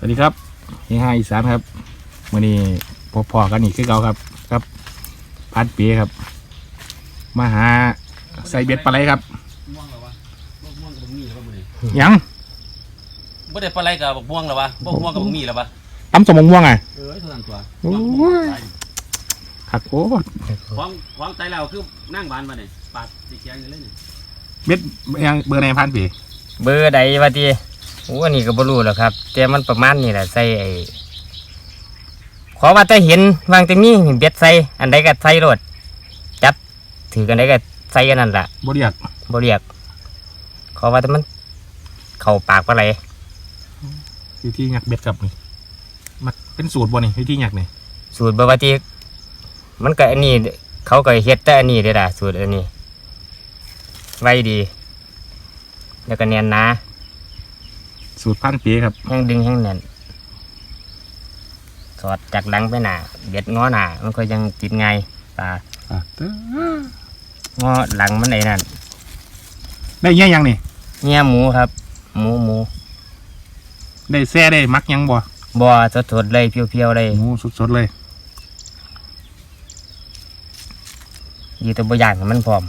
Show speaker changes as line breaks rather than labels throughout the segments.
วัสดีครับเฮียอีสานครับวันนี้พอกันอีกคือเก่าครับครับพัดเปียครับมาหาใส่เบ็ดปลาไหลครับ
ม่วงหรอวะม่วงกับมีหรอวะมื้อนี้
ยัง
บ่ได้ปลาไหลกับม่วงหรอวะบ่ม่วงกับมีหรอวะ
ตำสมม่วงไง
เท่านั้นตัว
โอ้ยขัดโคตร
ของไตเราคือนั่งบานมาเนี่ยปาดสีเขียวอยู่เลยนี่
เบ็ดยังเบอร์ไหนพันปี
เบอร์ใดวะทีโอ้อันนี้ก็บ่รู้แล้วครับแต่มันประมาณนี้แหละใส่ขอว่าแต่เห็นวางแต่มีเบ็ดใส่อันใดก็ใส่รถจับถือกันใดก็ใส่อันนั้นแหละ
บ่เรียก
บ่เรียกขอว่าแต่มันเข้าปากปลาไหล
วิธีหยักเบ็ดครับนี่มันเป็นสูตรบ่นี่วิธีหยักนี่
สูตรบ่ว่าทีมันก็อันนี้เขาก็เฮ็ดแต่อันนี้เด้อล่ะสูตรอันนี้ไว้ดีแล้วก็แน่นหนา
สูตรพันปีครับ
แห้งดึงแห้งแน่นสอดจากหลังไปหน้าเบ็ดง้อหน้ามันก็ยังติดไงปลาง้อหลังมันไอ้นั่น
ได้เงี้ยยังนี่
เงี้ยหมูครับหมู
ได้แซ่ได้มักยังบ่
สดๆเลยเพียวๆเลย
หมูสดๆเลย
อยู่ตัวบ่อย่างมันพร้อม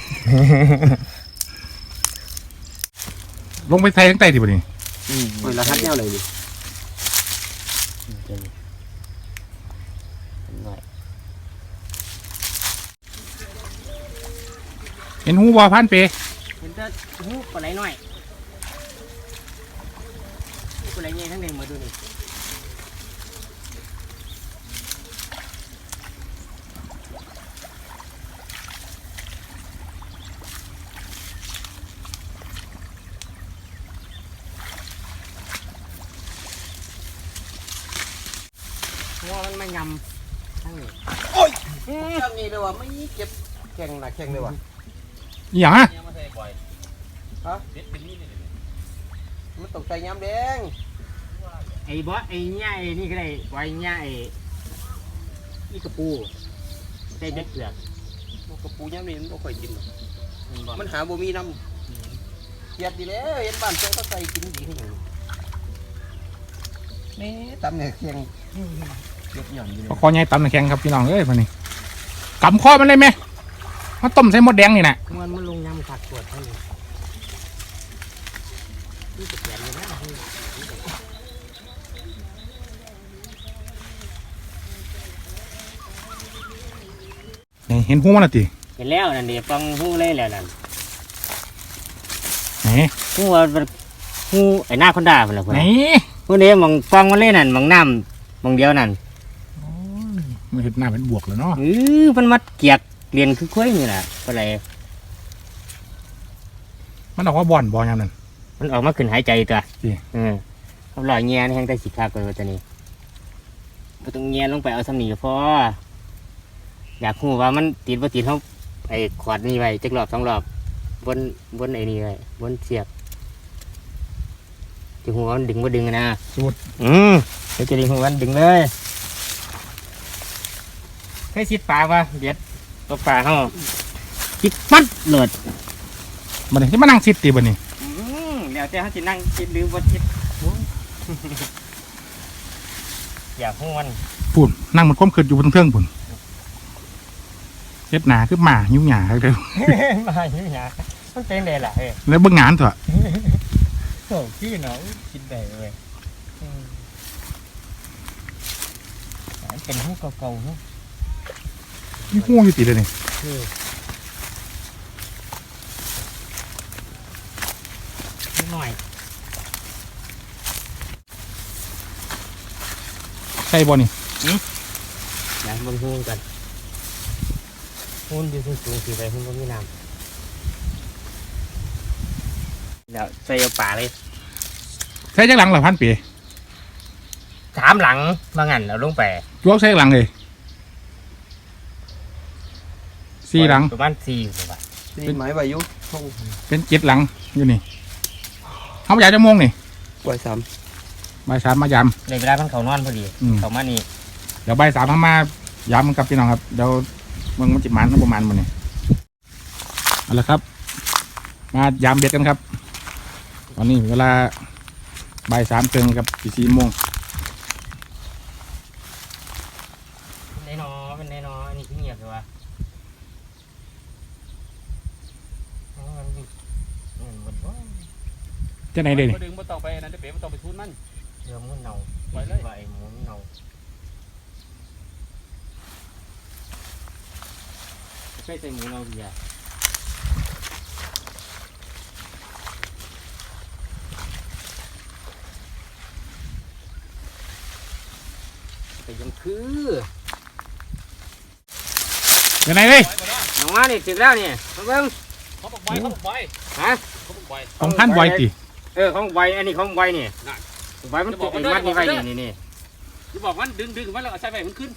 ลงไปไทยทั้งใต้ที่บ่นี่
โอ้ยรหัสแนวเลยดิ
เห็นหูบ่พันปี
เห็นแต่หูปลาไหลน้อยปลาไหลใหญ่ทั้งนึงมาดูนี่ว่ามันไม่ยำทั้งนี้
โอ้ยจังนี้เลยว่ะไม่เก็บแข็งนะแข็งเลยว่ะ
อย่างฮะ
ฮะมันตกใจย้ำแดง
ไอ้บอสไอ้เงี้ยไอ้นี่ก็ได้ไว้เงี้ยไอ้อีกระปูใส่เบ็ดเปลือก
กระปูย้ำนี่มันไม่ค่อยกินมันหาบ่มีน้ำยัดดีแล้วเห็นบ้านเจ้าก็ใส่กินดีขึ้นอยู่นี่ตำเนี่ยแข็ง
คอใหญ่ตำแข็งครับพี่น้องเอ้ยมันนี่กำข้อมันเลยไหมมันต้มใส่หมดแดงนี่นะ
มันลงน้ำขัดปวดเท่านี้นี่จะแก่เลย
นะเห็นหูมันละติ
เห็นแล้วนั่นเดี๋ยวฟังหูเลยแล้วนั่น
ไหน
หูว่าหูไอ้หน้าคนด่าคนละคน
ไหน
หูนี้มองฟังมันเลยนั่นมองน้ำมองเดียวนั่น
มันเห็นหน้าเป็นบวกเลยเนาะ
มันมัดเกียกเรียนคือคุ้ยนี่แหละอะไร
มันออกว่าบ่อนยังนั่น
มันออกมาขึ้นหายใจตัวเขาลอยเงี้ยนี่แห้งได้สิบคาเกลือตัวนี้ก็ต้องเงี้ยลงไปเอาสำนีพออยากหูว่ามันติดเขาไอ้ขวดนี่ไว้จักรอบ2 รอบบนไอ้นี่ไว้บนเสียบจะหัวมันดึงว่าดึงนะ
สุด
เดี๋ยวจะดึงหัวมันดึงเลยเคยซิดปลาวะเบียดตัวปลาเขาซิดมัดหลด
มันที่มานั่งซิดตีบนี่
เดี๋ยวเขาจะนั่งซิดหรือบนซิดอยากหูมัน
ปุ่นนั่งมันก้มขึ้นอยู่บนเครื่องปุ่นเฮ็ดหนาคือหมายุ่งหยาเลย
หมายุ่งหยามันเป็นไงล่ะ
แล้วเบิ่งงานเถอะ
โอ้พี่น้องกินได้เลยเป็นหูเก่าๆ
นี่หูอยู่ติดเลยนี่
หน่อย
ใช่บ่นี่
อย่าบนหูกันหูอยู่สูงๆสีไปหูมันมีน้ำเดี๋ยวใส่เอาป่าเลย
ใส่จักหลังหรือพันปี
3 หลังบางอันเราลงไป
ยกใส่หลังเลย4 หลัง
ประมาณ4บาท
เป็นไม้ใบยุ
เป็น7 หลังอยู่นี่เขาอยากจะมงนี่
บ่าย 3
มายำ
ในเวลาเขานอนพอดีเขามานี่
เดี๋ยวบ่าย 3มายำกับพี่น้องครับเดี๋ยวมึงมันจิมันประมาณมันนี่เอาละครับมายำเบ็ดกันครับตอนนี้เวลาบ่ายสามครึ่งกับ4 โมง
เป็นไงเนาะเป็นไงเนาะอันนี้เงียบเลยวะมันบ่
จะไหนเด้นี่
บ่ดึงบ่ต้องไปนั่นเด้อเป๋บ่ต้องไปทุนมัน
เรือมันเน่า
ไปเลย
ไอ้หมูมันเน่าใช่ใส่หมูเน่าดีอ่ะแต่ยังคือ
จะไหนเด้
ไปบ่ได้
น้องมานี่ถึงแล้วนี่มาเบิ่ง
เขาบอกใบ
ฮะ
เขาบอกใบ
ของพันบ่อยติ
ของใบอันนี้ของใบนี่
นั่น
ใบมันติดไอ้มัดนี่ไว้นี่นี่
อย่าบอกมันดึงมันแล้วเอาใส่ใบมันขึ้น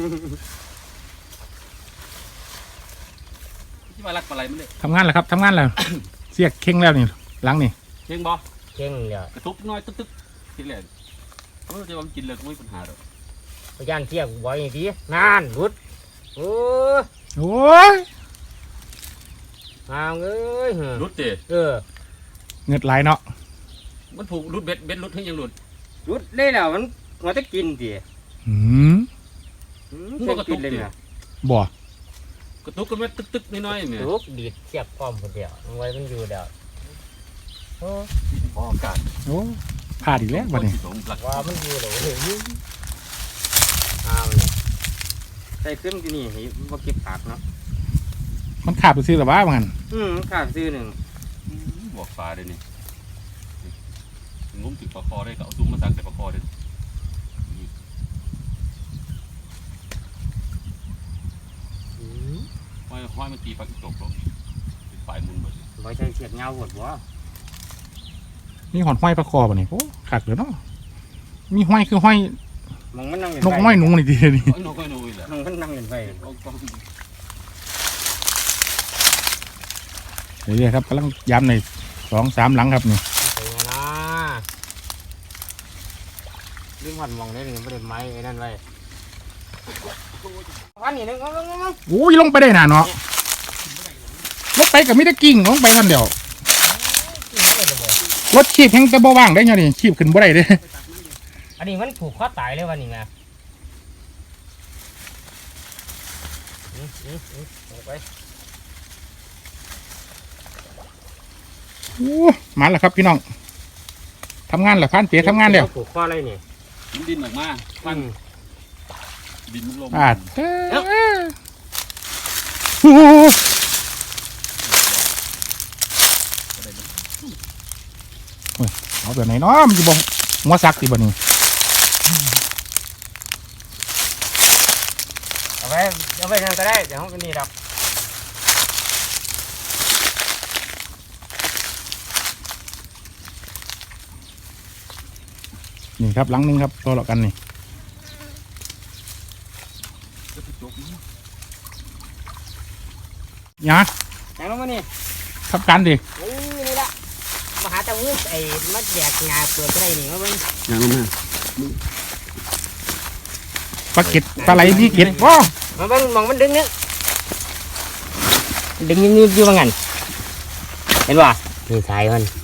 ที่มารักอะไรมันเลย
ทำงานแล้วครับทำงานแล้ว เสียกเข่งแล้วนี่หลังนี่
เชียงบ่
เก่งเลย
กระทุบน้อยตึ๊กกินเลยจะว่ามันกินเลยก็ไม่มีปัญหาหรอก
พยานเทียบไว้ดีนานรุดโอ้
โอ้ย
งามเอ้ย
รุดเตะ
เงิดไหลายเนาะ
มันผูกรุดเบ็ดรุดให้ยังรุด
รุดเลยแล้วมันจะกินดิ
หืม
กินเลยนะ
บ่
กระตุกกันมาตึกน้อยๆเนี่ย
ลุกดีดเทียบพร้อมคนเดียวไว้มันอยู่เดียวโอ้
พออากาศ
โอ้พลาดอีกแล้วบัดนี้
สมหลัก
ว่ามันอยู่เลยอ้าวเนี่ยใส่ขึ้นที่นี่ให้มาเก็บผักเนาะ
มันขาดไปซื้อแต่ว่ามัน
ขาดซื้อหนึ่ง
บอกฟ้าเลยนี่งุ้มติดปลาคอได้ก็เอาซุ้มมาสั่งแต่ปลาคอได้ห้อยมันตีปลาตกลงเป็นฝ่ายมุนหมด
ไว้ใช้เสียบเงาหมดวะ
มีหอนห้อยประคอบ่นี่โอ้ขาดเลยเนาะมีห้อยคือห้อย
มันนั่ง
นกห้อยหนุ่งนี่ทีนี่
ไอ้นกไอ้นุ้ยแหละ
มันนั่งเงินไป
เรื่อยๆครับกำลังย้ำใน2-3 หลังครับนี่
เป็นไงนะลืมหันมองได้หนึ่งไม่ได้ไม้ไอ้นั่นไว้วันนี้นึง
โอ้ยลงไปได้หนาเนาะลงไปกับมิตรกิ่งลงไปกันเดียวรถขีบแห้งแต่บ่ว่างได้ยังนี่ขีบขึ้นบ่ได้เด้
อันนี้มันผูกข้อตายเลยวันนี้ไงไป
โอ้มาแล้วครับพี่น้องทำงานแล้วพันเปียทำงานแล้ว
ผูกข้ออะไรนี่
มันดินออกมาฟันดินมันลง
โอ้เอาแบบไหนเนาะมันจะบ่หัวซักสิบ่นี่
เอาไปนั่นก็ได้เดี๋ยวห้องกันนี่ดับ
นี่ครับหลังนึงครับตัวละกันนี่ยะ
ไหนลงมานี่
ทับกันดิ
นี่ละมาหาตะวุ้ไอ้มัดแยกงาเปลือกอะไรนี่มาเบิ่ง
ยังลงมา
ปลาเก็ดปลาไหลพี่เก็ดว้า
มาเบิ่งมองมันดึงนึงดึงยืดอยู่ว่างั้นเห็นป่ะนี่สายมัน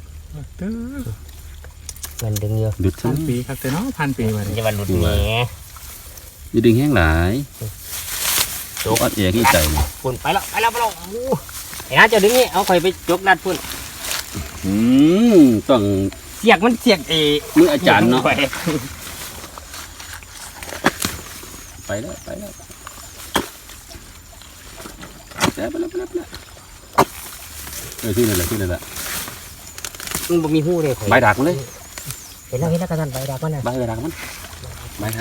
ดึงอยู่
ดุด
พันปีครับแต่เนาะพันปีมา
มัน
เนี่ย
จะบรรลุแง่
อย่าดึงแห้งหลายโจ๊กอัดเอกอีใจ
ฝุ่นไปแล้วไอ้น้าจะดึงนี่เอาไข่ไปจกดัดฝุ่น
ต้อง
เสียกมันเสียก
มืออาจารย์เนาะ
ไป
ไปแล้วไปแล้วที่นั่นแหละ
มันบ่มีหูเลย
ใบดักมันเลย
เห็นแล้วกระสันใบดักมันน่ะ
ใบดักมันใบถัง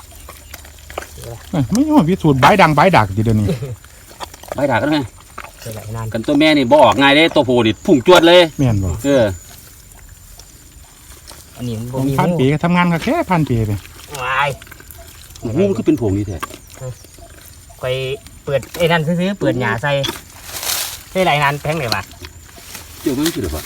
ไม่ใช่ว่าพิสูจน์ใบดังใบดักทีเดียวนี้
ใบดักกันไง
เห็นหลายนาน
กันตัวแม่นี่บ่ออกง่ายเลยตัวผู้นี่พุ่งจวดเลย
แม่นบ่
อันนี้มัน
ข
บ่
อง
มี
พัน
หู
ปีก็ทำงานก็แค่พันปีไป
วาย
หูมันก็เป็นผงนี่แท้
ไปเปิดไอ้นั่นซื้อเปิดหญ้าใส่ได้หลายนานแพงเลยป่ะ
เจ้ามันคือหรือเปล่า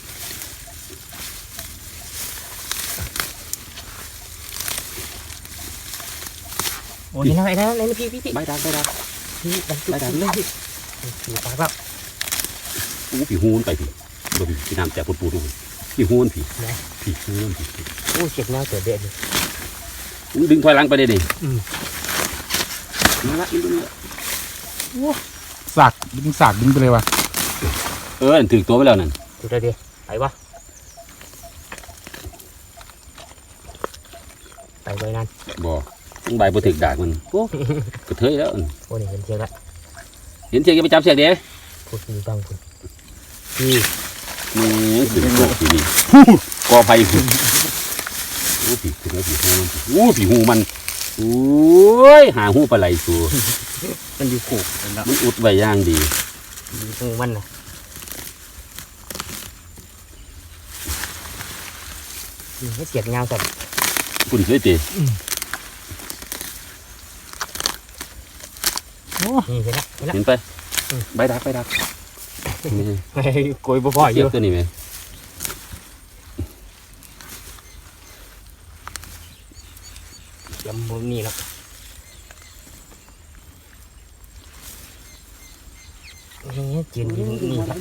โอ้ยนั่นไอ้นั่นไอ้พี่
ใบดัก
พี่ดันเลยพี่ปากแล้ว
ผีหูมันไปผีโดนผีน้ำแจกปูดๆ
พี่หูมันพี่พี่หูมันพี่
โอ้เจ็บแนวเกิดเด็ดเลย
มึงดึงถอยหลังไปเลยดิ
อืม
นี่ละนี่ละ
สากดึงไปเลยว่ะ
ถือตัวไปแล้วนั่น
ดูได้ดิไปวะไปไว้นั่น
บ่มึงใบบ่ถึกดากมันโอ้กระเทยแล้ว
โอ้นี่เห็นเชือกละ
เห็นเสียงยังไปจับเสียงเด้
พูดมีบางคนพี่
นี่ถึงโลกที่นี่กอไผ่โอ้ผีถึงแล้วผีหูมันโอ้ผีหูมันโอ้ยหาหูปลาไหลตัว
มันอยู่ขู่มันแล้ว
มันอุดไว้อย่างดี
อยู่หูมันนะนี่เสียบเงาสับ
คุณเคยตี
โอ้
นี่เห็นละเห็นละ
เห็นไปใบดักนี่
โกยบ่พออ
เสีย
ยู่
บตัวนี้ไหม
ยำมุมนี่แล้วนี่จีนนี่ครับ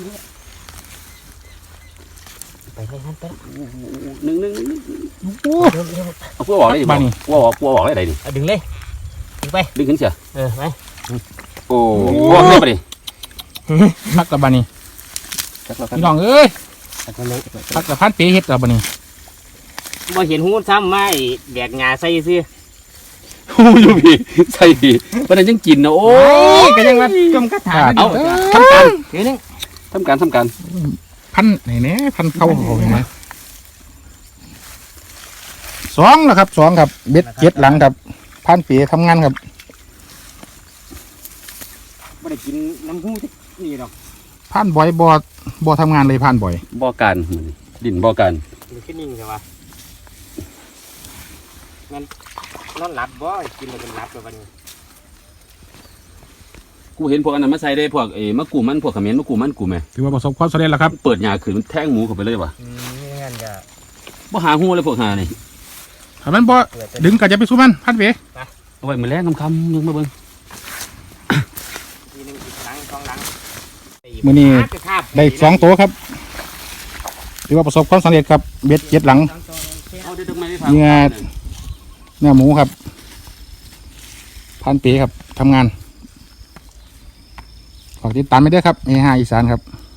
ไปให้ท่านไป
หนึ่ง
โห
เร็ว
เอาพวกออกได้ดิ
บ้านนี่
พวกออกได้ดิ
ดึงเลยดึงไป
ดึงขึ้นเสีย
ไป
โอ้พวกได้ปะดิ
พักกับบ้านนี่
จักแล้ว
พี่น้องเอ้ย
ไปเลย
พักกับพันปีเฮ็ดกับบ้านนี่
บ่เห็นหูซ้ำไม่แดกงาใส่ซื้อ
หูอยู่พี่ใส่พี่วันนั้นยังกินนะโอ้ย
ก็ยังว่ากำกระถา
เอาทำการ
เดี๋ยวนึง
ทำการ
พันไหนเนี่ยพันเข้าเขาเห็นไหมสองแล้วครับสองครับเบ็ดเจ็ดหลังครับพันปีทำงานครับ
บ่ได้กินน้ำหูนี่หรอก
พันบ่อยบ่ทำงานเลยพันบ่อย
บ่อการดินบ่อการ
มันขึ้นนิ่งใช่ปะงั้นนอนหลับบ่กินแล้วเป็นหลับแล้ววันนี้
กูเห็นพวกอันนั้นมาใส่ได้พวกมะกรูมันพวกเขมิ้นมะกรูมันกูไหม
ถือว่าประสบความสำเร็จแล้วครับ
เปิดหญ้าขึ้นมันแทงหมูเข้าไปเลยว่ะ
นี่งั้นจะ
บ่หาหูเลยพวกหานี่
ถ้ามันบ่ดึงก็จะไปสู้มันพันปี
เอาไว้มื้อแรกคำๆยังมาเบิ่ง
ทีนึงอีกครั้งสองครั้ง
มื้อนี้ได้สองตัวครับถือว่าประสบความสำเร็จครับเบ็ดเจ็ดหลัง
เอาเดี๋ยวไม่ได้
เนื้อหมูครับพันปีครับทำงานฝากติดตามไปด้วยครับเอฮาอีสานครับ